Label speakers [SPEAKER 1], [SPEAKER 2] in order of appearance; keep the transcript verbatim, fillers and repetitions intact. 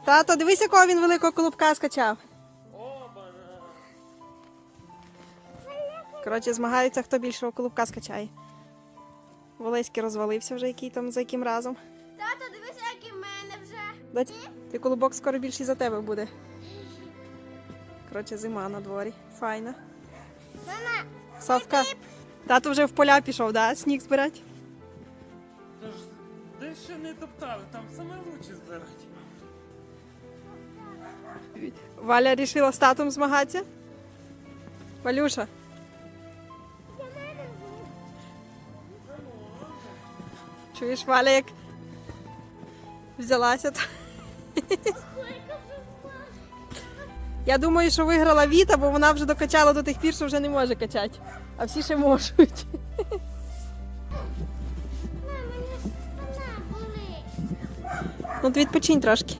[SPEAKER 1] Тато, дивись, якого він великого колобка скачав. Коротше, змагаються, хто більшого колобка скачає. Волеський розвалився вже, який там, за яким разом.
[SPEAKER 2] Тато, дивися, як і в мене вже.
[SPEAKER 1] Дать, ти колобок скоро більший за тебе буде. Коротше, зима на дворі. Файна.
[SPEAKER 2] Мама,
[SPEAKER 1] Совка, тато вже в поля пішов, да? Сніг збирати?
[SPEAKER 3] Тож, де ще не топтали, там саме лучше збирати.
[SPEAKER 1] Валя рішила з татом змагатися? Валюша? Чуєш, Валя, як взялася? То... Я думаю, що виграла Віта, бо вона вже докачала до тих пір, що вже не може качати. А всі ще можуть.
[SPEAKER 2] мама, мене спина болить.
[SPEAKER 1] Ну, ти відпочинь трошки.